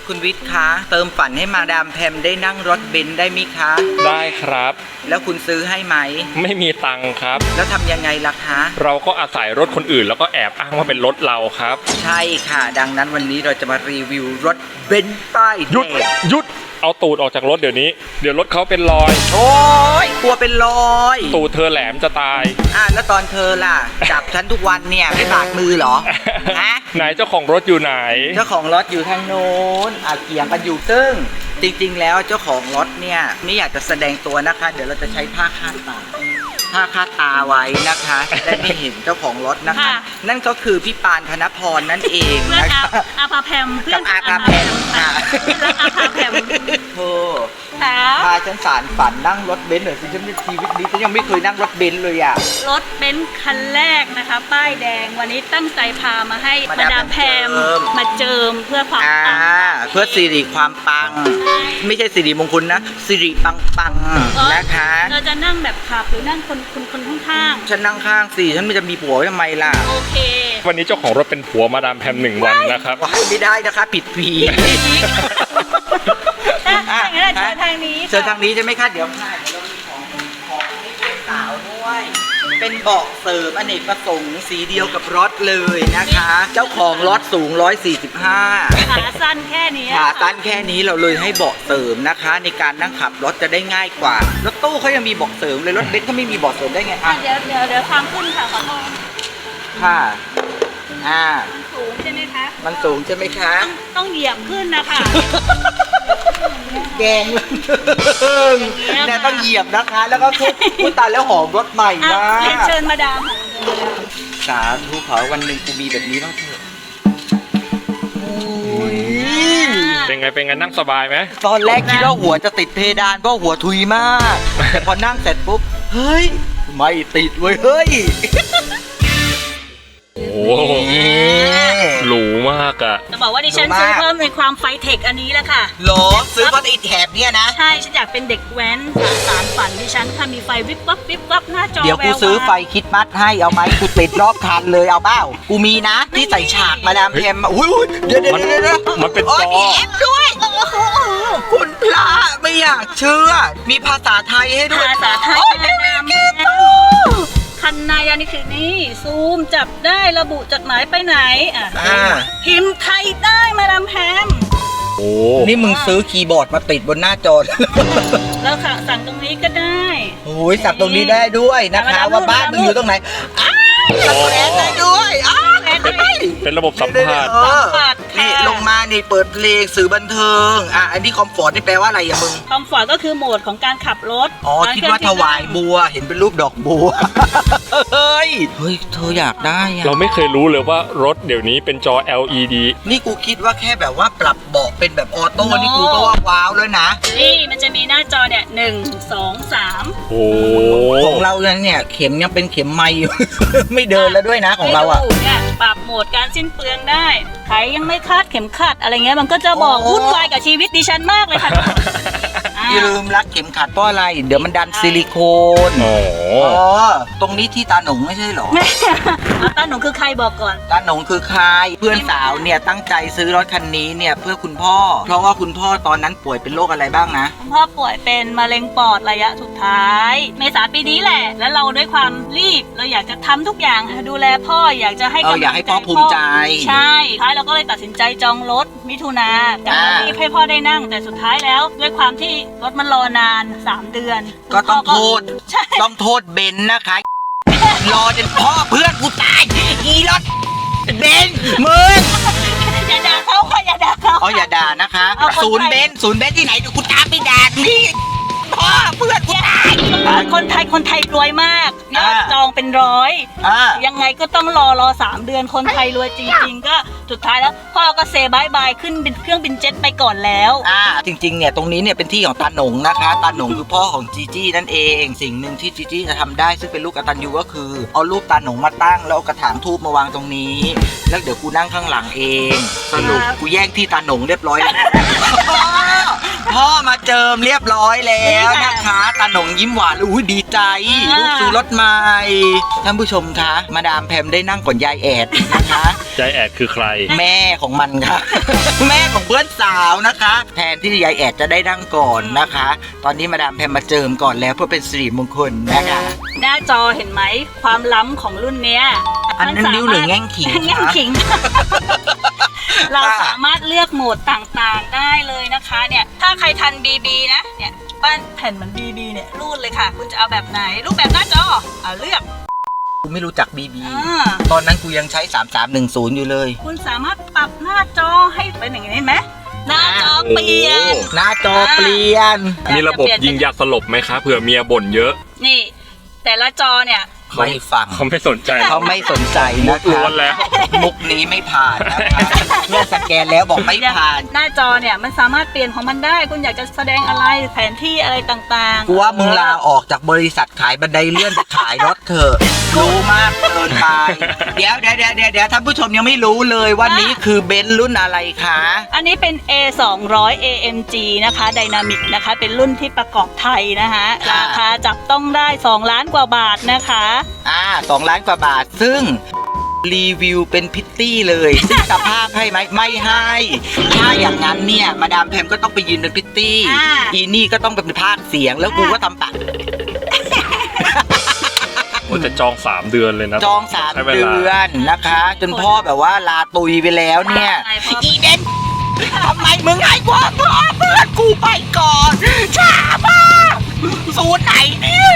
คุณวิทย์คะเติมฝันให้มาดามแพมได้นั่งรถเบนซ์ได้ไหมคะได้ครับแล้วคุณซื้อให้ไหมไม่มีตังค์ครับแล้วทำยังไงล่ะคะเราก็อาศัยรถคนอื่นแล้วก็แอบอ้างว่าเป็นรถเราครับใช่ค่ะ ดังนั้นวันนี้เราจะมารีวิวรถเบนซ์ป้ายหยุดแดงหยุดเอาตูดออกจากรถเดี๋ยวนี้เดี๋ยวรถเขาเป็นรอยโอ้ยกลัวเป็นรอยตูดเธอแหลมจะตายแล้วตอนเธอล่ะ จับฉันทุกวันเนี่ยไม่บาดมือเหรอฮะไหนเจ้าของรถอยู่ไหนเจ้าของรถอยู่ทางโน้นเกี่ยงกันอยู่ซึ่งจริงๆแล้วเจ้าของรถเนี่ยไม่อยากจะแสดงตัวนะคะ เดี๋ยวเราจะใช้ผ้าคาดตาไว้นะคะจะได้ไม่เห็นเจ้าของรถนะคะค่ะนั่นก็คือพี่ปานธนพรนั่นเองเพื่อนนะคะอาภาแพมเพื่อนกับอาภาแพมค่ะเพื่อนรักอาภาแพมเธอค่ะพาฉันสารฝันนั่งรถเบนซ์หน่อยสิฉันในชีวิตนี้ฉันยังไม่เคยนั่งรถเบนซ์เลยอ่ะรถเบนซ์คันแรกนะคะ ป้ายแดงวันนี้ตั้งใจพามาให้มามาดาดาม มแพแพมมมาเจิมเพื่อความปังเพื่อสิริความปัง ไม่ใช่สิริมงคลนะสิริปังนะคะเราจะนั่งแบบขับหรือนั่งคนข้างฉันนั่งข้างสิฉันไม่จะมีผัวไว้ทำไมล่ะๆโอเควันนี้เจ้าของรถเป็นผัวมาดามแพม1 วันนะครับว้ายไม่ได้นะคะผิดผีถ้าอย่างนั้นเชิญทางนี้เชิญทางนี้ใช่ไหมคะเดี๋ยวค่ะเดี๋ยวเรามีของให้เพื่อนสาวด้วย เป็นเบาะเสริมอเนกประสงค์สีเดียวกับรถเลยนะคะ เจ้าของรถสูง 145 ขาสั้นแค่นี้ขาตั้นแค่นี้เราเลยให้เบาะเสริมนะคะ ในการนั่งขับรถจะได้ง่ายกว่ารถตู้เขายังมีเบาะเสริมเลยรถเบนซ์เขาไม่มีเบาะเสริมได้ไงอ่ะอ่ะเดี๋ยวความขึ้นค่ะขอโทษค่ะสูงใช่ไหมคะมันสูงใช่ไหมคะต้องเหยียบขึ้นนะคะแกงเนี่ยต้องเหยียบนะคะ แล้วก็ทุบอุ๊ยตายแล้วหอมรถใหม่อ่ะมากเรียนเชิญมาดามค่ะสาธุขอวันหนึ่งกูมีแบบนี้บ้างเถอะโอ้ยเป็นไงนั่งสบายไหมตอนแรกคิดว่าหัวจะติดเพดานเพราะหัวทุยมาก แต่พอนั่งเสร็จปุ๊บ เฮ้ย ไม่ติดเว้ย เฮ้ยโอ้โหหรูมากอะจะบอกว่าดิฉันดูมากซื้อเพิ่มในความไฟเทคอันนี้แหละค่ะหรอซื้อเพราะไอ้แถบเนี่ยนะใช่ ฉันอยากเป็นเด็กแว้นสารฝันดิฉันถ้ามีไฟวิบวับหน้าจอเดี๋ยวกูแววซื้อไฟคิดมัดให้เอาไหมกูติดรอบคันเลยเอาเปล่ากูมีนะ ที่ใส่ฉากมาดามแพมอุ้ยเดี๋ยวมันเป็นโอ้จยอมีแอปด้วย คุณพระไม่อยากเชื่อ มีภาษาไทยให้ด้วยภาษาไทยโอ้แนะนำคันนายานี่คือนี่ซูมจับได้ระบุจดหมายไปไหนพิมพ์ไทยได้มาดามแพมโอ้นี่มึงซื้อคีย์บอร์ดมาติดบนหน้าจอแล้วค่ะสั่งตรงนี้ก็ได้โอ้ยสับตรงนี้ได้ด้วยนะคะ ว่าบ้านมึงอยู่ตรงไหนอ้าวสับแขนได้ด้วยอ้าวเป็นระบบสัมผัสสัมผัสค่ะนี่ลงมานี่เปิดเพลงสื่อบันเทิงอันนี้คอมฟอร์ตนี่แปลว่าอะไรอะมึงคอมฟอร์ตก็คือโหมดของการขับรถคิดว่าถวายบัวเห็นเป็นรูปดอกบัว เฮ้ยเธออยากได้อะเราไม่เคยรู้เลยว่ารถเดี๋ยวนี้เป็นจอ LED นี่กูคิดว่าแค่แบบว่าปรับเบาะเป็นแบบออโต้นี่กูก็ว่าว้าวแล้วนะนี่มันจะมีหน้าจอเนี่ย1 2 3 โอ้ของเราเนี่ยเข็มยังเป็นเข็มไม้อยู่ ไม่เดินแล้วด้วยนะของเราอะให้ดูเนี่ยปรับโหมดการสิ้นเปลืองได้ใครยังไม่คาดเข็มขัดอะไรเงี้ยมันก็จะบอกโอ้วุ่นวายกับชีวิตดิฉันมากเลยค่ะอย่าลืมรัดเข็มขัดเพราะอะไร เดี๋ยวมันดันซิลิโคนโอ้ตรงนี้ที่ตาหนงไม่ใช่เหรอแม่เอาตาหนูคือใครบอกก่อนตาหนงคือใครเพื่อนสาวเนี่ยตั้งใจซื้อรถคันนี้เนี่ยเพื่อคุณพ่อ เพราะว่าคุณพ่อตอนนั้นป่วยเป็นโรคอะไรบ้างนะคุณพ่อป่วยเป็นมะเร็งปอดระยะสุดท้าย เมษาปีนี้แหละ แล้วเราด้วยความรีบเราอยากจะทำทุกอย่างดูแลพ่ออยากจะให้กำลังอยากให้พ่อภูมิใจใช่ท้ายเราก็เลยตัดสินใจจองรถมิถุนากะว่ารีบให้พ่อได้นั่ง แต่สุดท้ายแล้วด้วยความที่รถมันรอนาน3 เดือนก็ต้องโทษใช่ต้องโทษเบนซ์นะคะ รอจนพ่อเพื่อนกูตายอีรถเบนซ์มึงอย่าด่าเขาค่ะอย่าด่าเขาอย่าด่านะคะเอาคนไทยศูนย์เบนซ์ที่ไหนเดี๋ยวกูตามไปด่านี่พ่อเพื่อนกูตายคนไทยรวยมากยอดจองเป็นร้อย ยังไงก็ต้องรอ3 เดือนคนไทยรวยจริงๆ ก็สุดท้ายแล้วพ่อก็เซบายบายขึ้นเครื่องบินเจ็ตไปก่อนแล้วจริงๆเนี่ยตรงนี้เนี่ยเป็นที่ของตาหนงนะคะตาหนงคือพ่อของจีจี้นั่นเองสิ่งหนึ่งที่จีจี้จะทำได้ซึ่งเป็นลูกกตัญญูก็คือเอารูปตาหนงมาตั้งแล้วเอากระถางทูบมาวางตรงนี้ แล้วเดี๋ยวกูนั่งข้างหลังเองสรุปกูแย่งที่ตาหนงเรียบร้อยแล้วพ่อมาเจิมเรียบร้อยแล้วนะคะตาหนงยิ้มหวานอุ้ยดีใจลูกซื้อรถใหม่ท่านผู้ชมคะมาดามแพมได้นั่งก่อนยายแอดนะคะยายแอดคือใครแม่ของมันค่ะ แม่ของเพื่อนสาวนะคะ แทนที่ยายแอดจะได้นั่งก่อนนะคะ ตอนนี้มาดามแพมมาเจิมก่อนแล้วเพื่อเป็นสิริมงคลนะคะหน้าจอเห็นไหมความล้ำของรุ่นเนี้ยอันนั้นนิ้วหรือแง่งขิงแง่งคะขิง เราสามารถเลือกโหมดต่างๆได้เลยนะคะเนี่ยถ้าใครทัน BB นะเนี่ยบ้านแผ่นเหมือน BB เนี่ยรูดเลยค่ะ คุณจะเอาแบบไหนรูปแบบหน้าจอเอาเลือกกูไม่รู้จักบีบีอ่าตอนนั้นกูยังใช้ 3310 อยู่เลยคุณสามารถปรับหน้าจอให้เป็นอย่างนี้เห็นไหมหน้าจอเปลี่ยนหน้าจอเปลี่ยนมีระบบยิงยาสลบไหมคะเผื่อเมียบ่นเยอะนี่แต่ละจอเนี่ยไม่ฟังเขาไม่สนใจเขาไม่สนใจมุนะกล้วนคะแล้วมุกนี้ไม่ผ่านนะคะเมื่อสแกนแล้วบอกไม่ผ่านหน้าจอเนี่ยมันสามารถเปลี่ยนของมันได้ คุณอยากจะแสดงอะไรแผนที่อะไรต่างๆกูว่ามึงลาออกจากบริษัทขายบันไดเลื่อนไปขายรถเถอะรู้มากเกินไปเดี๋ยวท่านผู้ชมยังไม่รู้เลยว่านี้คือเบนซ์รุ่นอะไรคะอันนี้เป็น A 200 AMG นะคะ Dynamic นะคะ เป็นรุ่นที่ประกอบไทยนะคะราคาจับต้องได้2 ล้านกว่าบาทนะคะ 2 ล้านกว่าบาทซึ่งรีวิวเป็นพิตตี้เลยซึ่งสภาพให้ไหมไม่ให้ถ้าอย่างนั้นเนี่ยมาดามแพมก็ต้องไปยืนเป็นพิตตี้อ่าอีนี่ก็ต้องเป็นภาคเสียงแล้วกูก็ทำปากผมจะจอง 3 เดือนเลยนะจองใช้ 3 เวลาเดือนนะคะ จนพ่อแบบว่าลาตุยไปแล้วเนี่ยไงพ่ออีเบนทำไมมึงให้ความพ่อเพื่อนกูไปก่อนช้ามากศูนย์ไหนเนี่ย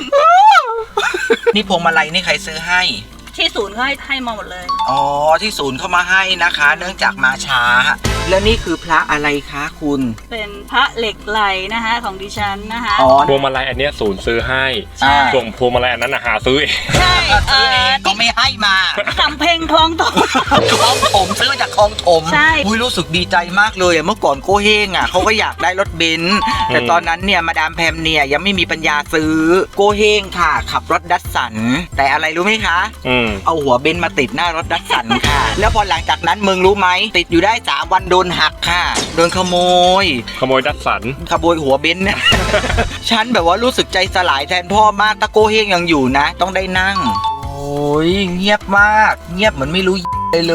นี่พวงมาลัยนี่ใครซื้อให้ที่ศูนย์เขาให้มาหมดเลยอ๋อที่ศูนย์เข้ามาให้นะคะ เนื่องจากมาช้า แล้วนี่คือพระอะไรคะคุณเป็นพระเหล็กไหลนะคะของดิฉันนะคะอ๋อพวงมาลัยอันเนี้ยศูนย์ซื้อให้ใช่ส่วนพวงมาลัยอันนั้นน่ะหาซื้อเองใช่ซื้อเองก็ไม่ให้มาสำเพ็งคลองตกคลองถมซื้อมาจากคลองถมใช่อุ้ยรู้สึกดีใจมากเลยอะเมื่อก่อนโกเฮงอ่ะเขาก็อยากได้รถเบนซ์แต่ตอนนั้นเนี่ยมาดามแพมเนี่ยยังไม่มีปัญญาซื้อโกเฮงค่ะ ขับรถดัสสัน แต่อะไรรู้ไหมคะ เอาหัวเบนซ์มาติดหน้ารถดัสสันค่ะ แล้วพอหลังจากนั้นมึงรู้ไหมติดอยู่ได้3 วันโดนหักค่ะโดนขโมยขโมยดัสสันขโมยหัวเบนซ์เนี่ย ฉันแบบว่ารู้สึกใจสลายแทนพ่อมากตะโกเฮงยังอยู่นะ ต้องได้นั่ง โอ้ยเงียบมาก เงียบเหมือนไม่รู้เลย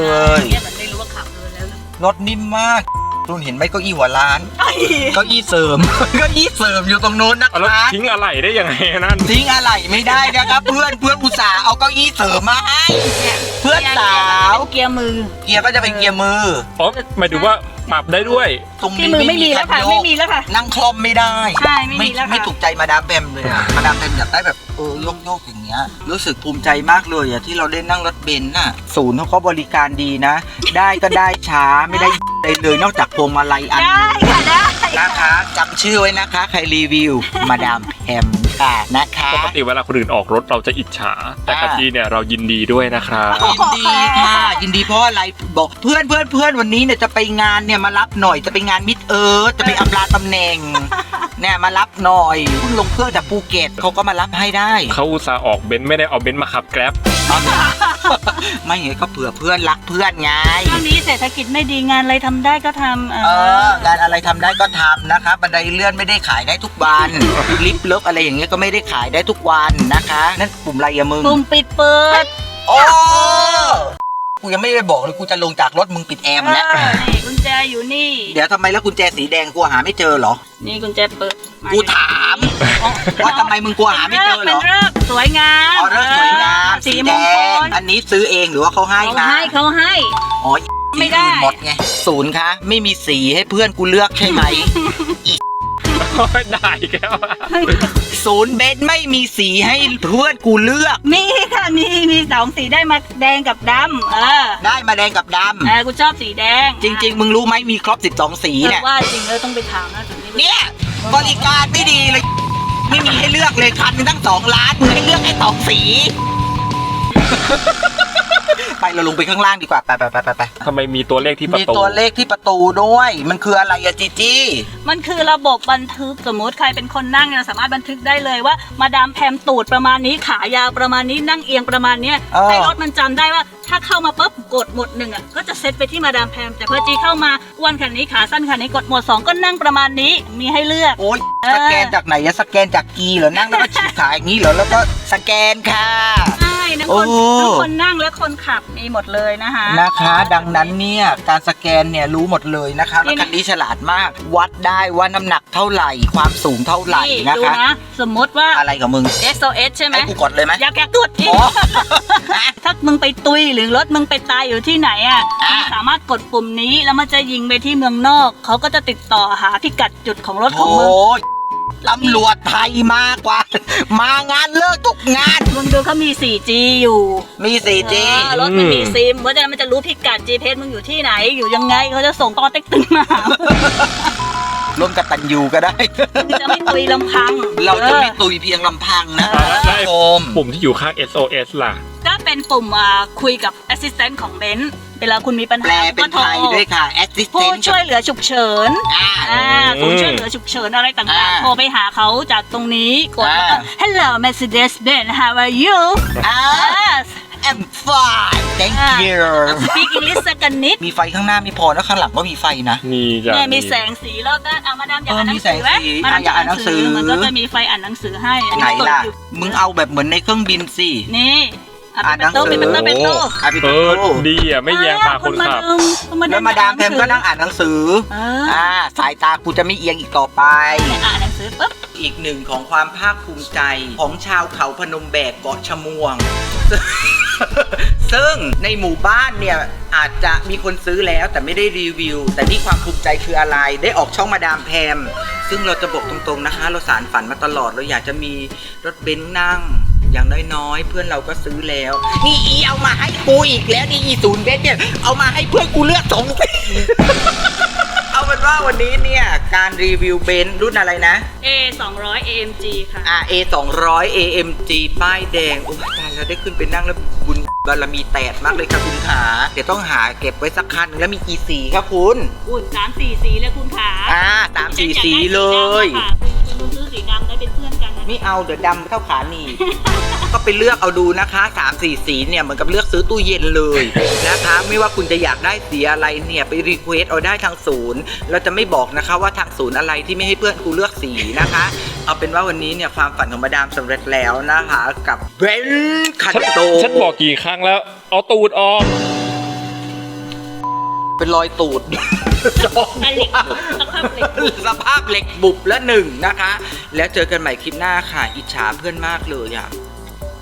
เนี่ยมันไม่รู้ว่าขับเลยแล้วนะรถนิ่มมากคุณเห็นไหมเก้าอี้หัวล้านไอ้เก้าอี้เสริม เก้าอี้เสริมอยู่ตรงโน้นนะเอาแล้วคะทิ้งอะไรได้ยังไงนั่นทิ้งอะไรไม่ได้นะครับ เพื่อนอุตส่าห์เอาเก้าอี้เสริมมาให้เพื่อนสาวเกียร์มือเกียร์ก็จะเป็นเกียร์มืออ๋อหมายถึงว่าปรับได้ด้วยตรงที่นี้มือไม่มีแล้วค่ะคันโยกไม่มีแล้วค่ะนั่งคล่อมไม่ได้ใช่ไม่มีแล้วค่ะไม่ถูกใจมาดามแบมเลยอะมาดามแบมอยากได้แบบโยกอย่างเงี้ยรู้สึกภูมิใจมากเลยอะที่เราได้นั่งรถเบนซ์น่ะศูนย์เขาก็บริการดีนะ ได้ก็ได้ช้าไม่ได้เลยนอกจากพวงมาลัยอันได้ค่ะได้นะคะจำชื่อไว้นะคะ ใครรีวิว มาดามแพมค่ะนะคะปกติเวลาคนอื่นออกรถเราจะอิจฉา แต่กะทิเนี่ยเรายินดีด้วยนะครับยินดีค่ะ ยินดีเพราะอะไรบอกเพื่อนวันนี้เนี่ยจะไปงานเนี่ยมารับหน่อยจะไปงานมิดจะไปอำลาตำแหน่งเนี่ยมารับหน่อยเพิ่งลงเครื่องจากภูเก็ตเขาก็มารับให้ได้เขาอุตส่าห์ออกเบนซ์ไม่ได้เอาเบนซ์มาขับแกร็บไม่ไงก็เผื่อเพื่อนรักเพื่อนไงช่วงนี้เศรษฐกิจไม่ดีงานอะไรทำได้ก็ทำงานอะไรทำได้ก็ทำนะคะบันไดเลื่อนไม่ได้ขายได้ทุกวันลิฟต์เลิฟอะไรอย่างเงี้ยก็ไม่ได้ขายได้ทุกวันนะคะนั่นปุ่มอะไรอะมึงปุ่มปิดเปิดโอ้กูยังไม่ได้บอกเลยกูจะลงจากรถมึงปิดแอร์หมดแล้วนี่กุญแจอยู่นี่เดี๋ยวทำไมแล้วกุญแจสีแดงกูหาไม่เจอเหรอนี่กุญแจเปิดกูถามว่าทำไมมึงกลัวหาไม่เจอเหรอเป็นเลิกษ์สวยงามอ๋อเลิกสวยงามสีสีมแดงคงลอันนี้ซื้อเองหรือว่าเขาให้เขามาให้เขาให้อ๋อไม่ได้สีอื่นหมดไงศูนย์คะไม่มีสีให้เพื่อนกูเลือกใช่ไหมได้แก้วศูนย์เบนซ์ไม่มีสีให้เพื่อนกูเลือกมีค่ะมี2 สีได้มาแดงกับดำได้มาแดงกับดกูชอบสีแดงำจริง ๆ มึงรู้ไหมมีครบ12 สีเนี่ยว่าจริงแล้วต้องไปถามนะถึงนี้เนี่ยบริการไม่ดีเลย ไม่มีให้เลือกเลยคันหนึ่งตั้ง2 ล้านมึงให้เลือกแค่2 สีไปเราลงไปข้างล่างดีกว่าไปทำไมมีตัวเลขที่ประมีตูตัวเลขที่ประตูด้วยมันคืออะไรอะจีจี้มันคือระบบบันทึกสมมติใครเป็นคนนั่งเนี่ยสามารถบันทึกได้เลยว่ามาดามแพมตูดประมาณนี้ขายาวประมาณนี้นั่งเอียงประมาณเนี้ยให้รถมันจำได้ว่าถ้าเข้ามาปุ๊บกดหมด1อ่ะก็จะเซตไปที่มาดามแพมแต่พอจีเข้ามาอ้วนขนาดนี้ขาสั้นขนาดนี้กดหมด2ก็นั่งประมาณนี้มีให้เลือกโอ๊ยสแกนจากไหนอะสแกนจากกีเหรอนั่งแล้วก็ฉีกขาอย่างนี้เหรอแล้วก็สแกนค่ะใช่ทั้งคนโอ้ทั้งคนนั่งและคนขับมีหมดเลยนะคะนะคะดังนั้นเนี่ยการสแกนเนี่ยรู้หมดเลยนะคะแล้วคันนี้ฉลาดมาก วัดได้ว่าน้ำหนักเท่าไหร่ความสูงเท่าไหร่นะดูคะนะสมมติว่าอะไรกับมึง SOS ใช่ไหมให้กูกดเลยไหมอยากกดอีกอ๋อถ้ามึงไปตุยหรือรถมึงไปตายอยู่ที่ไหนอ่ะอ่ะมึงสามารถกดปุ่มนี้แล้วมันจะยิงไปที่เมืองนอกเขาก็จะติดต่อหาพิกัดจุดของรถของโอ้มึงยตำรวจไทยมากกว่า มางานเลิกทุกงานมึงดูเขามี 4G อยู่มี 4G รถมันมีซิมเพราะฉะนั้นมันจะรู้พิกัด GPS มึงอยู่ที่ไหนอยู่ยังไงเขาจะส่งตอเต็กตึงมาหาร่วมกับตันยูก็ได้มึงจะไม่ตุยลำพังเราจะไม่ตุยเพียงลำพังนะแล้วไอ้ชมปุ่มที่อยู่ข้าง SOS ล่ะก็เป็นปุ่มคุยกับ Assistant ของเบนซ์เวลาคุณมีปัญแปลหาเป็นก็โทไทรยด้วยค่ะผู้ assistant ช่วยเหลือฉุกเฉินอ่าศูนย์ช่วยเหลือฉุกเฉินอะไรต่างอ่าๆ โทรไปหาเขาจากตรงนี้กดแล้วก็อ่า Hello Mercedes Benz how are you อ่า Yes I'm fine thank อ่า you Speak English สักกันนิดมีไฟข้างหน้าไม่พอนะข้างหลังก็มีไฟนะมีจ้ะเนี่ยมีแสงสีรอบด้านเอามาดามอยากอ่านหนังสือไหมมีแสงสีมาดามอยากอ่านหนังสือมันก็จะมีไฟอ่านหนังสือให้อัไหนเปิดล่ะอยู่มึงเอาแบบเหมือนในเครื่องบินสินี่อ่ะอ่านหนังสือเป็นโต๊ะอ่ะพี่เอตุ๊อดีอ่ะไม่แยงตาคนขับแล้วมาดามแพมก็นั่งอ่านหนังสือเออสายตากูจะไม่เอียงอีกต่อไปอ่านหนังสือปุ๊บอีกหนึ่งของความภาคภูมิใจของชาวเขาพนมแบกเกาะชะมวง ซึ่งในหมู่บ้านเนี่ยอาจจะมีคนซื้อแล้วแต่ไม่ได้รีวิว แต่นี่ความภูมิใจคืออะไรได้ออกช่องมาดามแพมซึ่งเราจะบอกตรงๆนะคะ เราสารฝันมาตลอดเราอยากจะมีรถเบนซ์นั่ง อย่างน้อยๆเพื่อนเราก็ซื้อแล้ว นี่อีเอามาให้กูอีกแล้วนี่อีศูนย์เบนซ์เนี่ยเอามาให้เพื่อนกูเลือกสอง เอาเป็นว่าวันนี้เนี่ยการรีวิวเบนซ์รุ่นอะไรนะ A 200 AMG ค่ะ A 200 AMG ป้ายแดง โอ้ยตายแล้วได้ขึ้นไปนั่งแล้วบุญบารมีแตกมากเลยครับคุณขาเดี๋ยวต้องหาเก็บไว้สักคันหนึ่งแล้วมีกี่สีครับคุณอุ่น3-4 สีเลยคุณขา 3-4 สีเลยคุณซื้อสีดำได้เป็นเพื่อนกันนะไม่เอาเดี๋ยวดำเท่าขาหนีบ ก็ไปเลือกเอาดูนะคะ 3-4 สีเนี่ยเหมือนกับเลือกซื้อตู้เย็นเลยนะคะ ไม่ว่าคุณจะอยากได้สีอะไรเนี่ยไปรีเควสเอาได้ทางศูนย์เราจะไม่บอกนะคะว่าทางศูนย์อะไรที่ไม่ให้เพื่อนกูเลือกสีนะคะ เอาเป็นว่าวันนี้เนี่ยความฝันของมาดามสำเร็จแล้วนะคะกับเบนซ์คันโตฉันบอกกี่ครั้งแล้ว เอาตูดออกเป็นรอยตูดอันเหล็กบุบสภาพเหล็กบุบสภาพเหล็กบุบละหนึ่งนะคะ แล้วเจอกันใหม่คลิปหน้าค่ะ อิจฉาเพื่อนมากเลยอ่ะ